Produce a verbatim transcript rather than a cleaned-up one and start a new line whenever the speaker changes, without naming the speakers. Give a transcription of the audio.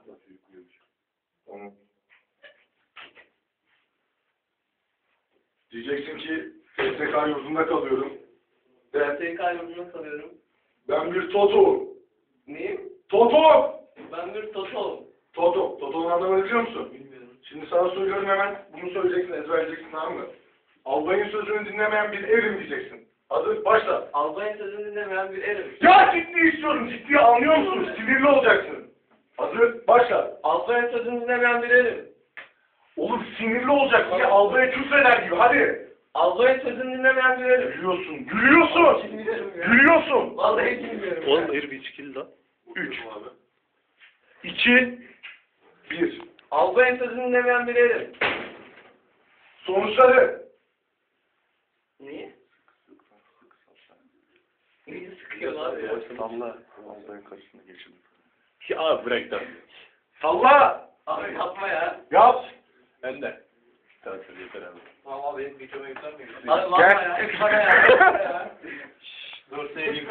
Tamam. Diyeceksin ki S S K yurdunda kalıyorum.
Ben S K yurdunda kalıyorum.
Ben bir Toto'um.
Neyim?
Toto!
Ben bir Toto'um.
Toto. Toto'nun anlamını biliyor musun?
Bilmiyorum.
Şimdi sana söylüyorum, hemen bunu söyleyeceksin, ezberleyeceksin, tamam mı? Albayın sözünü dinlemeyen bir erim diyeceksin. Hazır, başla.
Albayın sözünü dinlemeyen bir erim.
Ya ciddi istiyorum, ciddi anlıyor musun? Sinirli olacaksın. Hazır, başla.
Albayın sözünü dinlemeyen bir erim.
Oğlum sinirli olacaksın ya, albaya küfreder gibi, hadi.
Albayın sözünü dinlemeyen bir erim.
Gülüyorsun, gülüyorsun.
Bilmiyorum ya.
Gülüyorsun.
Vallahi bilmiyorum.
Oğlum hayır bir içkili lan.
Üç. İki. Bir.
Albayın sözünü dinlemeyen bir erim.
Sonuçları.
Niye? Niye sıkıyor abi ya?
Salla. Albayın karşısına geçin. Ya abi bırak da.
Salla.
Abi yapma ya.
Yap.
Ben de. Tamam yeter abi.
Tamam abi benim videoma yüklenmiyor. Abi yapma
Gel.
ya. Yapma ya. Yapma ya.
Dur sevgilim.